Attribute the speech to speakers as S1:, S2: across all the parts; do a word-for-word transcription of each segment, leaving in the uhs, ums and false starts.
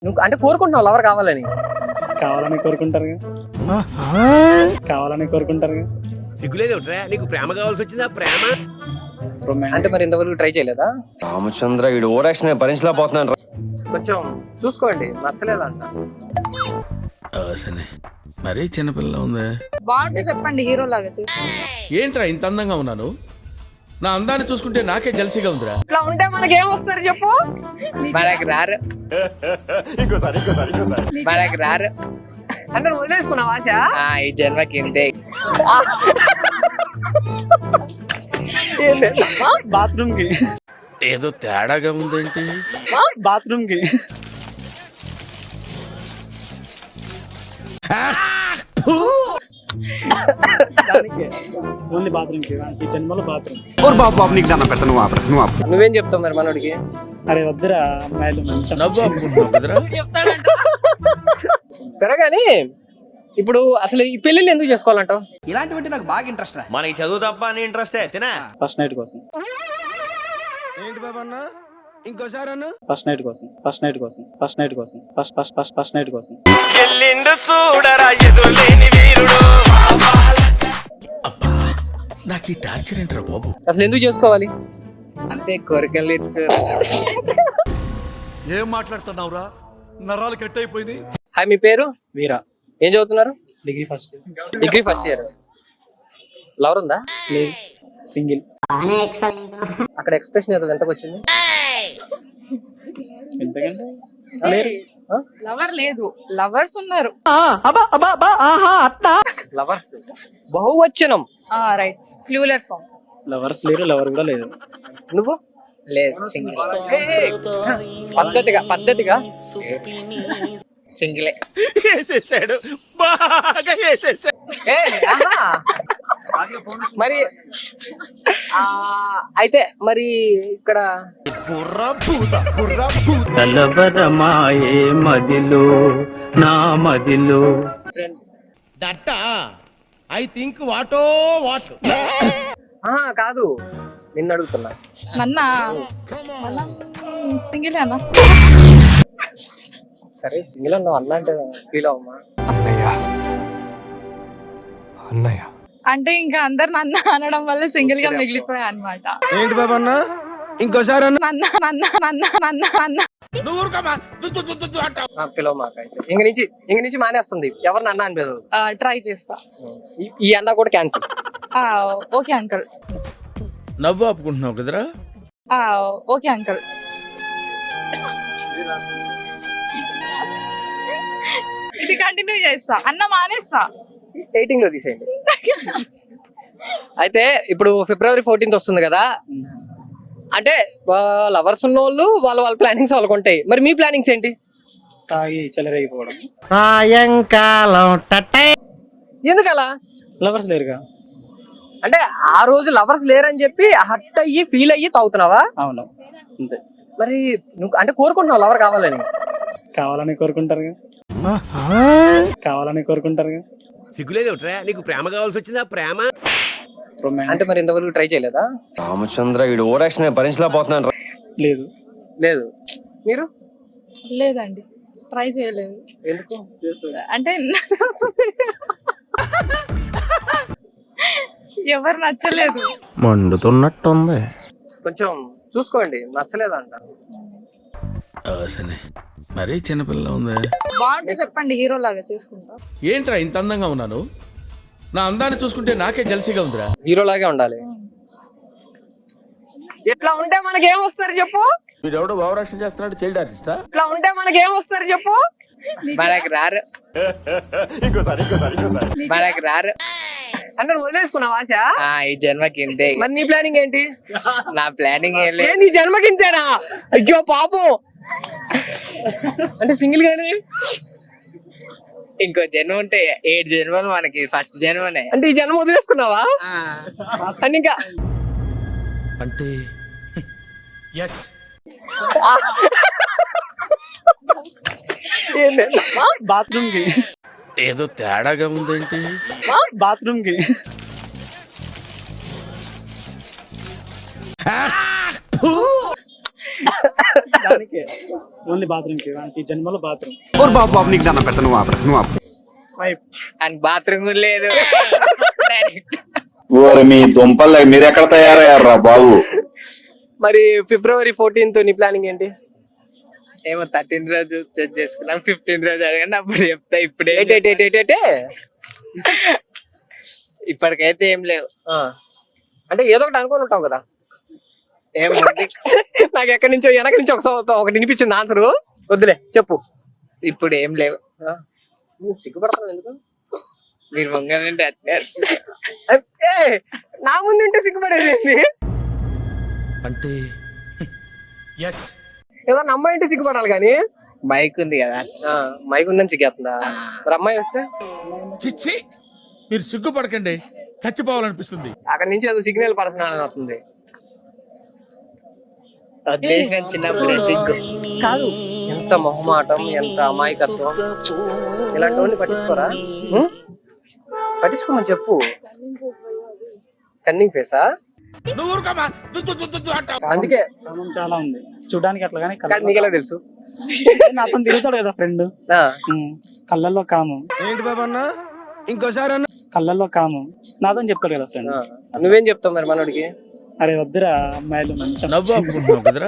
S1: నువ్వు అంటే కోరుకుంటున్నావు లవర్ కావాలని?
S2: కావాలని కోరుకుంటారు కావాలని కోరుకుంటారు
S3: సిగ్గులేదు నీకు ప్రేమ కావాల్సి వచ్చిందా? ప్రేమ
S1: అంటే మరి ఇంతవరకు ట్రై చేయలేదా?
S4: రామచంద్ర ఈ ఓవర్ యాక్షన్ భరించలేకపోతున్నాను.
S1: కొంచెం చూసుకోండి, నచ్చలేదంట.
S5: మరీ చిన్నపిల్ల ఉంది.
S6: బాగుంటే చెప్పండి, హీరో లాగా చేసుకోండి.
S5: ఏంట్రా ఇంత అందంగా ఉన్నాను? నా అందాన్ని చూసుకుంటే నాకే జలసిగా ఉందిరా.
S1: ఇట్లా ఉంటే మనకి ఏం వస్తారు చెప్పు? మనకి రారు మనకి రారు అంటే నువ్వు వదిలేసుకున్నావు ఆశ. ఈ జన్మకి ఇంతే.
S2: బాత్రూమ్ కి
S5: ఏదో తేడాగా ఉందేంటి?
S2: బాత్రూమ్ కి ఓన్లీ బాత్రూమ్ కి ఈ జన్మలో బాత్రూమ్.
S1: నువ్వేం చెప్తావు మరి మనోడికి?
S2: అరే వద్దురా అమ్మాయిలు మంచి
S5: నవ్వు అనుకుంటున్నావు కదరా?
S1: సరే గాని ఇప్పుడు అసలు ఈ పెళ్లిళ్ళు ఎందుకు చేసుకోవాలంటావు?
S7: ఇలాంటివంటే నాకు బాగా ఇంట్రెస్ట్ రా.
S3: మనకి చదువు తప్ప అని ఇంట్రెస్టే తినా.
S2: ఫస్ట్ నైట్ కోసం
S3: ఏంటి బాబన్న ఇంకోసారి అన్న
S2: ఫస్ట్ నైట్ కోసం ఫస్ట్ నైట్ కోసం ఫస్ట్ నైట్ కోసం first first first first night కోసం.
S5: నాకు ఈ టార్చర్ ఏంట్రా బాబు?
S1: అసలు ఎందుకు చేసుకోవాలి?
S7: అంతే కోరికలు తీర్చుకో.
S8: ఏం మాట్లాడుతున్నావురా? నరాలు కట్ అయిపోయింది.
S1: హాయ్, మీ పేరు?
S2: వీరా.
S1: ఏం చదువుతున్నారు?
S2: Degree first.
S1: Degree first year. Lover ఉందా?
S2: లేదు, సింగిల్.
S1: అక్కడ ఎక్స్ప్రెషన్ ఏదో ఎంతకు వచ్చింది?
S2: ఎంతకంటే
S6: లవర్ లేదు, లవర్స్ ఉన్నారు.
S1: లవర్స్ బహువచనం.
S6: Right, plural form.
S2: లవర్స్ లేరు, లవర్ కూడా లేదు.
S1: నువ్వు?
S7: లేదు, సింగిల్.
S1: పద్ధతిగా పద్ధతిగా
S7: సింగిలే.
S3: వేసేసాడు, బాగా వేసేసాడు.
S1: ఏ, ఆహా. మరి ఆ అయితే మరి ఇక్కడ
S9: కలవరమాయే మదిలో నా మదిలో
S1: friends
S3: that I think వాటో what.
S1: ఆహా కాదు, నిన్ను అడుగుతున్నా.
S6: నన్నా మనం సింగిల్ అన్నా.
S1: సరే సింగిల్ అన్నావు, అన్న అంటే ఫీల్ అవ్వమ్మా.
S6: అంటే ఇంకా అందరు నన్న అనడం వల్ల సింగిల్ గా మిగిలిపోయా అనమాట.
S3: ఏంటి బాబన్న ఇంకోసారి అన్న
S6: నన్న నన్న నన్న నన్న నన్న
S1: పిలవ మాకు అయితే ఇంక నుంచి ఇంక నుంచి మానేస్తుంది. ఎవరిని అన్న అని పిలవదు.
S6: ట్రై చేస్తా.
S1: ఈ- ఈ అన్న కూడా క్యాన్సిల్.
S6: Okay uncle.
S5: నవ్వు ఆపుకుంటున్నావు కదరా?
S6: Okay uncle. ఇది కంటిన్యూ చేస్తా, అన్న మానేస్తా.
S1: ఎయిటింగ్ లో తీసేయండి. అయితే ఇప్పుడు ఫిబ్రవరి ఫోర్టీన్త్ వస్తుంది కదా, అంటే లవర్స్ ఉన్న వాళ్ళు వాళ్ళ వాళ్ళ ప్లానింగ్స్ వాళ్ళకు ఉంటాయి. మరి మీ ప్లానింగ్స్ ఏంటి?
S2: తాగి చెలరేగిపోవడం.
S1: ఎందుకలా?
S2: లవర్స్ లేరుగా.
S1: అంటే ఆ రోజు లవర్స్ లేరని చెప్పి హట్ అయ్యి ఫీల్ అయ్యి తాగుతున్నావా?
S2: అవును, అంతే.
S1: మరి నువ్వు అంటే కోరుకుంటున్నావు లవర్ కావాలని?
S2: కావాలని కోరుకుంటారు కావాలని కోరుకుంటారు
S3: సిగ్గులేదు నీకు ప్రేమ కావాల్సి వచ్చిందా? ప్రేమ
S1: అంటే మరి ఇంతవరకు ట్రై చేయలేదా?
S4: రామచంద్ర ఈ ఓవర్ యాక్షన్ భరించలేకపోతున్నాను.
S2: లేదు
S1: లేదు. మీరు?
S6: లేదండి, ట్రై చేయలేదు.
S1: ఎందుకు?
S6: అంటే ఎవరు నచ్చలేదు.
S5: మండుతున్నట్టుంది.
S1: కొంచెం చూసుకోండి, నచ్చలేదంట.
S5: మరీ చిన్నపిల్ల ఉంది.
S6: బాగుంటే చెప్పండి, హీరో లాగా చేసుకుంటా.
S5: ఏంట్రా ఇంత అందంగా ఉన్నాను? నా అందాన్ని చూసుకుంటే నాకే జలసిగా ఉందిరా.
S1: హీరో లాగే ఉండాలి. ఎట్లా ఉంటే మనకి ఏం వస్తారు చెప్పు?
S5: వీడెవడో ఓవర్ యాక్షన్ చేస్తున్నాడు, చైల్డ్ ఆర్టిస్టా?
S1: ఇట్లా ఉంటే మనకి ఏం వస్తారు చెప్పు? మనకి రారు మనకి రారు అంటే నువ్వు వదిలేసుకున్నావు ఆశ.
S7: ఈ జన్మకి ఇంతే.
S1: మరి నీ ప్లానింగ్ ఏంటి?
S7: నా ప్లానింగ్ ఏం
S1: ఏ,
S7: లేదు.
S1: నీ జన్మకి ఇంతేనా? అయ్యో పాపం. అంటే సింగిల్ గానే
S7: ఇంకో జన్మ ఉంటే ఏడు జన్మలు మనకి ఫస్ట్ జన్మనే.
S1: అంటే ఈ జన్మ వదిలేసుకున్నావా? అని ఇంకా
S5: అంటే
S2: బాత్రూమ్ కి
S5: ఏదో తేడాగా ఉందేంటి?
S2: బాత్రూమ్ కి దానికి ఓన్లీ బాత్రూమ్ కి వానికి జన్మలో బాత్రూమ్
S3: బాబు బాబు నీకు దాన్ని పెట్ట నువ్వు ఆపరా నువ్వు ఆపు
S2: వైఫ్
S7: అని బాత్రూమ్ కూడా లేదు డైరెక్ట్
S9: ఓరి మీ దుంపలు మీరెక్కడ తయారయ్యారా బాబు?
S1: మరి ఫిబ్రవరి ఫోర్టీన్త్ నీ ప్లానింగ్ ఏంటి?
S7: ఏమో థర్టీన్త్ రోజు చెక్ చేసుకున్నాం, ఫిఫ్టీన్త్ రోజు అడగండి అప్పుడు చెప్తా. ఇప్పుడే
S1: ఏటే ఏటే ఏటే ఏటే?
S7: ఇప్పటికైతే ఏం లేవు.
S1: ఆ. అంటే ఏదో ఒకటి అనుకొని ఉంటావు కదా.
S7: ఏం ఉంది?
S1: నాకు ఎక్కడి నుంచో వెనక నుంచి ఒకసారి ఒకటి వినిపించింది ఆన్సర్. వద్దులే చెప్పు.
S7: ఇప్పుడు ఏం లేవు.
S1: ఆ. నువ్వు సిగ్గుపడతావు ఎందుకు?
S7: మీరు ముంగనంటే అట్నే
S1: ఏయ్, నా ముందు ఉంటే సిగ్గుపడేది
S8: అంటే ఎస్
S1: ఏదన్నా అమ్మాయి ఉంటే సిగ్గుపడాలి కానీ
S7: బైక్ ఉంది కదా.
S1: మైక్ ఉందని సిగ్గేస్తుందా? మరి అమ్మాయి వస్తే
S5: చిచ్చి మీరు సిగ్గుపడకండి, చచ్చిపోవాలనిపిస్తుంది.
S1: అక్కడ నుంచి ఏదో సిగ్నల్ పర్సనల్ అవుతుంది.
S7: వదిలేసిన చిన్నప్పుడే సిగ్గు.
S1: కాదు, ఎంత మొహమాటం, ఎంత అమాయకత్వం. ఇలాంటివన్నీ పట్టించుకోరా? ఉం? పట్టించుకోమని చెప్పు. కన్నింగ్ ఫేసా?
S5: నువ్వు ఊరుకోమా, దుద్దు దుద్దు దుద్దు అంటావు.
S1: అందుకే
S2: కామం చాలా ఉంది చూడడానికి అట్లా కానీ
S1: కానీ నీకెలా తెలుసు?
S2: అతను తిరుగుతాడు కదా ఫ్రెండ్.
S1: ఆ,
S2: కళ్ళల్లో కామం,
S3: ఏంటి బాబు అన్న ఇంకోసారి అన్న
S2: కళ్ళల్లో కామం నాతో చెప్తాడు కదా ఫ్రెండ్.
S1: ఆ. నువ్వేం చెప్తావు మరి మనోడికి?
S2: అరే వద్దురా అమ్మాయిలు మంచి
S5: నవ్వు ఆపుకుంటున్నావు కదరా?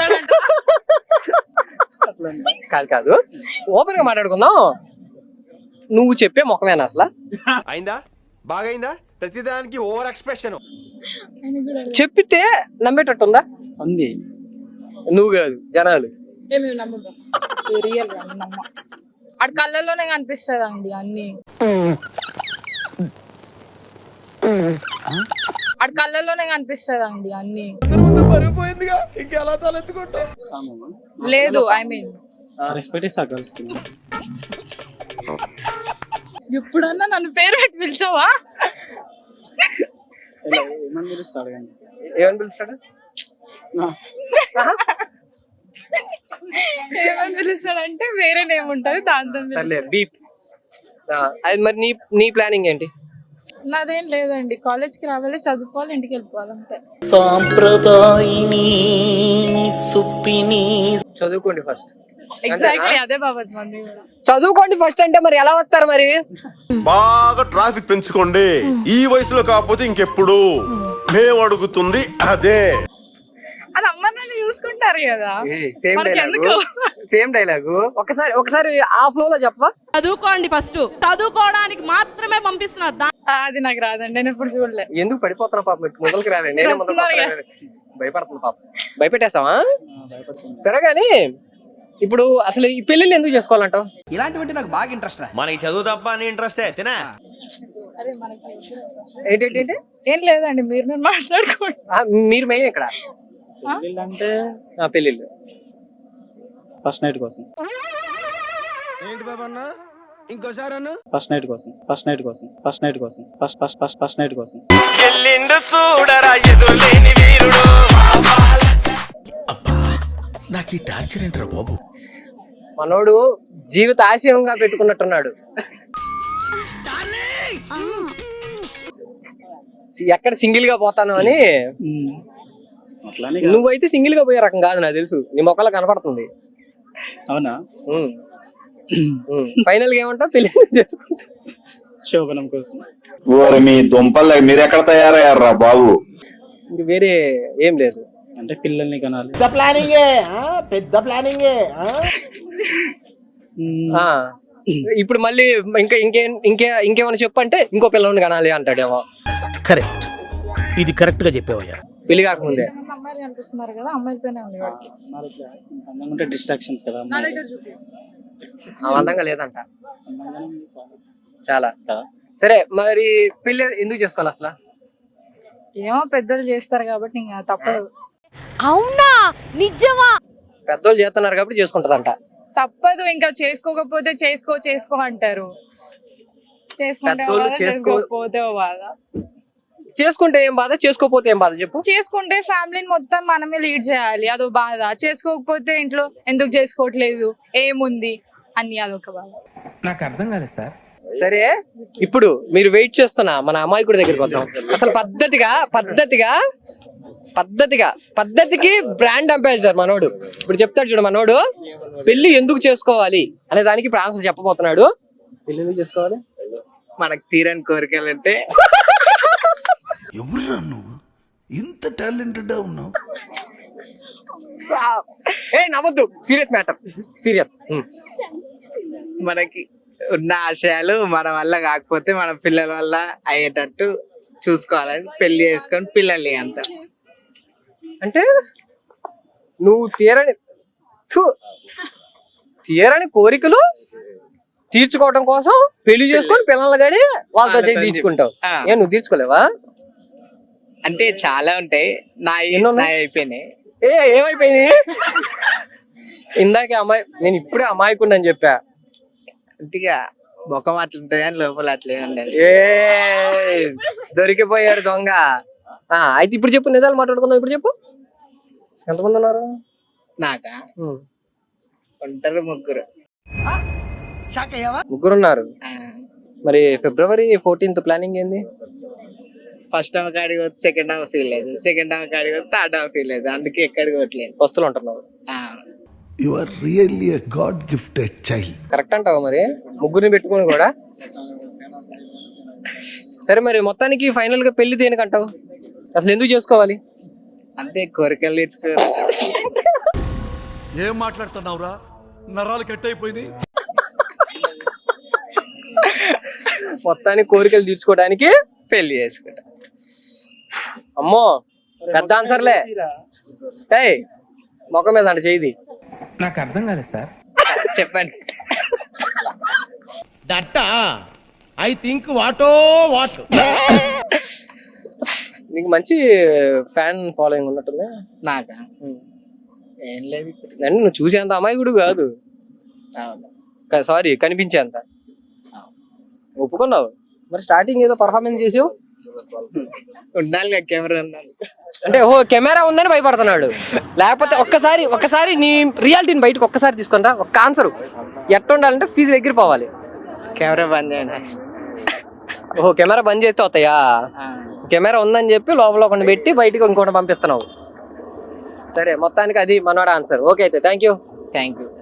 S1: కాదు కాదు, ఓపెన్ గా మాట్లాడుకుందాం. నువ్వు చెప్పే ముఖమేనా అసలు?
S4: అయిందా? బాగైందా? ప్రతిదానికి ఓవర్ ఎక్స్ప్రెషన్.
S1: చెప్పితే నమ్మేటట్టు ఉందా?
S2: ఉంది.
S1: నువ్వు కాదు, జనాలు.
S6: ఏమేమి నమ్మకం రియల్ నమ్మ అటు కళ్ళల్లోనే కనిపిస్తుంది అండి అన్ని. అటు కళ్ళల్లోనే కనిపిస్తుంది అండి అన్ని.
S3: పరిపోయిందిగా ఇంకెలా తలెత్తుకుంటావు?
S2: కామమా?
S6: లేదు ఐ మీన్
S2: రెస్పెక్ట్ ఇస్తా గర్ల్స్ కి.
S6: ఎప్పుడన్నా నన్ను పేరు పెట్టి పిలిచావా?
S2: ఇలా ఏమని పిలుస్తాడు కానీ
S1: ఏమని పిలుస్తాడు?
S6: ఏమని పిలుస్తాడంటే వేరే నేమ్ ఉంటది దాంతో
S1: సర్లే బీప్. అది మరి నీ నీ ప్లానింగ్ ఏంటి?
S6: నాదేం లేదండి, కాలేజ్ కి రావాలి, చదువుకోవాలి, ఇంటికి వెళ్ళిపోవాలి అంతే.
S1: చదువుకోండి ఫస్ట్.
S6: ఎగ్జాక్ట్లీ అదే బాబత్ మంది కూడా.
S1: చదువుకోండి ఫస్ట్ అంటే మరి ఎలా వస్తారు మరి?
S3: బాగా ట్రాఫిక్ పెంచుకోండి. ఈ వయసులో కాకపోతే ఇంకెప్పుడు. మేము అడుగుతుంది అదే.
S6: అది అమ్మ నాన్న చూసుకుంటారు కదా.
S1: సేమ్
S6: మనకి
S1: డైలాగు
S6: ఎందుకు?
S1: సేమ్ డైలాగు ఒకసారి ఒకసారి ఆ ఫ్లో లో చెప్పవా?
S10: చదువుకోండి ఫస్ట్, చదువుకోవడానికి మాత్రమే పంపిస్తున్నారు.
S6: ఆ, అది నాకు రాదండి, నేను ఎప్పుడు చూడలే.
S1: ఎందుకు పడిపోతున్నా పాప? మొదలకి రాలేదు, నేనే మొదలు భయపడుతున్నా పాప. భయపెట్టేస్తావా? సరే గాని ఇప్పుడు అసలు ఈ పెళ్లిళ్ళు ఎందుకు చేసుకోవాలంటావు?
S7: ఇలాంటివంటే నాకు బాగా ఇంట్రెస్ట్ రా.
S4: మనకి చదువు తప్ప అని ఇంట్రెస్టే తినా.
S6: అరే మనకి
S1: ఏంటి ఏంటి
S6: ఏం లేదండి, మీరు నేను మాట్లాడుకోండి.
S1: మీరు మెయిన్ ఇక్కడ
S2: అంటే
S1: ఆ, పెళ్లిళ్ళు
S2: ఫస్ట్ నైట్ కోసం.
S3: ఏంటి బాబు అన్న ఇంకోసారి అన్న
S2: ఫస్ట్ నైట్ కోసం ఫస్ట్ నైట్ కోసం ఫస్ట్ నైట్ కోసం first first first first night కోసం.
S5: నాకు ఈ టార్చర్ ఏంట్రా బాబు?
S1: మనోడు జీవిత ఆశయంగా పెట్టుకున్నట్టున్నాడు. ఎక్కడ సింగిల్ గా పోతాను అని.
S2: ఉమ్. అట్లానే
S1: నువ్వైతే సింగిల్ గా పోయే రకం కాదు, నాకు తెలుసు. నీ మొక్కలా కనపడుతుంది.
S2: అవునా?
S1: ఫైనల్ గా ఏమంటావు? పెళ్లి చేసుకుంటా
S2: శోభనం కోసం.
S9: ఓరి మీ దుంపలు మీరెక్కడ తయారయ్యారా బాబు?
S1: ఇంక వేరే ఏం లేదు.
S2: అంటే పిల్లల్ని కనాలి. ఉమ్.
S1: ఆ ఇప్పుడు మళ్ళీ ఇంకా ఇంకే ఇంకే ఇంకేమైనా చెప్పంటే ఇంకో పిల్లల్ని కనాలి అంటాడేమో.
S8: కరెక్ట్, ఇది కరెక్ట్ గా చెప్పావయ్యా.
S1: పెళ్లి కాకముందే
S6: కొంతమంది అమ్మాయిలు కనిపిస్తున్నారు కదా, అమ్మాయిల పైన ఉంది వాడికి.
S2: మరి ఇట్లా అందంగా ఉంటే డిస్ట్రాక్షన్స్ కదా.
S6: నా దగ్గర చూపి.
S1: ఆ అందంగా లేదంట
S2: అందంగానే ఉంది చాలా.
S1: చాలా.
S2: కదా.
S1: సరే మరి పెళ్లి ఎందుకు చేసుకోవాలి అసలు?
S6: ఏమో పెద్దలు చేస్తారు కాబట్టి ఇంకా తప్పదు.
S10: అవునా? నిజమా?
S1: పెద్దోళ్ళు చేస్తున్నారు కాబట్టి చేసుకుంటదంట.
S6: తప్పదు, ఇంకా చేసుకోకపోతే చేసుకో చేసుకో అంటారు. చేసుకుంటే
S1: పెద్దోళ్ళు
S6: బాధ,
S1: చేసుకో-
S6: చేసుకోకపోతే ఓ బాధ.
S1: చేసుకుంటే ఏం బాధ, చేసుకోపోతే ఏం బాధ చెప్పు?
S6: చేసుకుంటే ఫ్యామిలీని మొత్తం మనమే లీడ్ చేయాలి, అదో బాధ. చేసుకోకపోతే ఇంట్లో ఎందుకు చేసుకోవట్లేదు, ఏముంది అని అదొక బాధ.
S7: నాకు అర్థం కాలేదు సార్.
S1: సరే ఇప్పుడు మీరు వెయిట్ చేస్తున్నా మన అమాయకుడి దగ్గరికి వద్దాం. అసలు పద్ధతిగా పద్ధతిగా పద్ధతిగా పద్ధతికి బ్రాండ్ అంబాసిడర్ మనోడు. ఇప్పుడు చెప్తాడు చూడు మనోడు, పెళ్లి ఎందుకు చేసుకోవాలి అనే దానికి ఇప్పుడు ఆన్సర్ చెప్పబోతున్నాడు. పెళ్లి ఎందుకు చేసుకోవాలి?
S7: మనకు తీరని కోరికలు అంటే
S5: ఎవరురా నువ్వు ఇంత టాలెంటెడ్ ఉన్నావు?
S1: ఏ నవ్వద్దు, సీరియస్ మ్యాటర్, సీరియస్.
S7: మనకి ఉన్న ఆశయాలు మన వల్ల కాకపోతే మన పిల్లల వల్ల అయ్యేటట్టు చూసుకోవాలని పెళ్లి చేసుకొని పిల్లల్ని అంత.
S1: అంటే నువ్వు తీరని థు, తీరని కోరికలు తీర్చుకోవడం కోసం పెళ్లి చేసుకొని పిల్లలు కానీ వాళ్ళతో చేసి తీర్చుకుంటావు.
S7: ఆ.
S1: ఏ నువ్వు తీర్చుకోలేవా?
S7: అంటే చాలా ఉంటాయి, నా
S1: ఎన్ని ఉన్నాయి?
S7: నా అయిపోయినాయి.
S1: ఏ ఏమైపోయింది? ఇందాకే అమ్మాయి, నేను ఇప్పుడే అమాయకుండా అని చెప్పా.
S7: అంతేగా ముఖం అట్లుంటది అని లోపల అట్లే ఉండాలి.
S1: ఏ దొరికిపోయారు దొంగ. ఆ, అయితే ఇప్పుడు చెప్పు, నిజాలు మాట్లాడుకుందాం. ఇప్పుడు చెప్పు, ఎంతమంది ఉన్నారు?
S7: నాకా
S1: ఉమ్.
S7: ఉంటారు ముగ్గురు.
S1: ముగ్గురు ఉన్నారు.
S7: ఆ,
S1: మరి ఫిబ్రవరి ఫోర్టీన్త్ ప్లానింగ్ ఏంది?
S7: ఫస్ట్ హాఫ్ కాడికి పోతే సెకండ్ హాఫ్ ఫీల్ అవుతుంది, సెకండ్ హాఫ్ కాడికి పోతే థర్డ్ హాఫ్ ఫీల్ అవుతుంది. అందుకే ఎక్కడికి పోవట్లేదు.
S1: వస్తువులు ఉంటున్నారు.
S7: ఆ,
S5: you are really a god gifted child.
S1: Correct అంటావా? మరి ముగ్గురిని పెట్టుకుని కూడా. సరే, మరి మొత్తానికి ఫైనల్ గా పెళ్లి దేనికంటావు? అసలు ఎందుకు చేసుకోవాలి?
S7: అంతే, కోరికలు తీర్చుకో.
S5: ఏం మాట్లాడుతున్నావురా? నరాలు కట్ అయిపోయింది.
S1: మొత్తానికి కోరికలు తీర్చుకోవడానికి
S7: పెళ్లి చేసుకుంటా.
S1: అమ్మో పెద్ద ఆన్సర్లే. ఏయ్ మొఖం మీద అంటే చేయి.
S8: నాకు అర్థం కాలేదు సార్.
S7: చెప్పండి.
S8: That I think వాటో what.
S1: నీకు మంచి ఫ్యాన్ ఫాలోయింగ్ ఉన్నట్టుంది.
S7: నాకా ఏం లేదు.
S1: అంటే నువ్వు చూసేంత అమాయకుడు కాదు,
S7: అవును.
S1: సారీ కనిపించేంత. ఒప్పుకున్నావు. మరి స్టార్టింగ్ ఏదో పర్ఫార్మెన్స్ చేసావు.
S7: ఉండాలి కదా, కెమెరా ఉండాలి.
S1: అంటే ఓ కెమెరా ఉందని భయపడుతున్నాడు. లేకపోతే ఒక్కసారి ఒక్కసారి నీ రియాలిటీని బయటకు ఒక్కసారి తీసుకుంటా. ఒక్క ఆన్సర్ ఎట్ట ఉండాలంటే ఫీజు దగ్గర పోవాలి.
S7: కెమెరా బంద్ చేయండి.
S1: ఓహో కెమెరా బంద్ చేస్తే అవుతాయా?
S7: ఆ,
S1: కెమెరా ఉందని చెప్పి లోపల ఒకటి పెట్టి బయటకు ఇంకోటి పంపిస్తున్నావు. సరే, మొత్తానికి అది మనోడ ఆన్సర్. ఓకే అయితే థ్యాంక్ యూ.
S7: Thank you.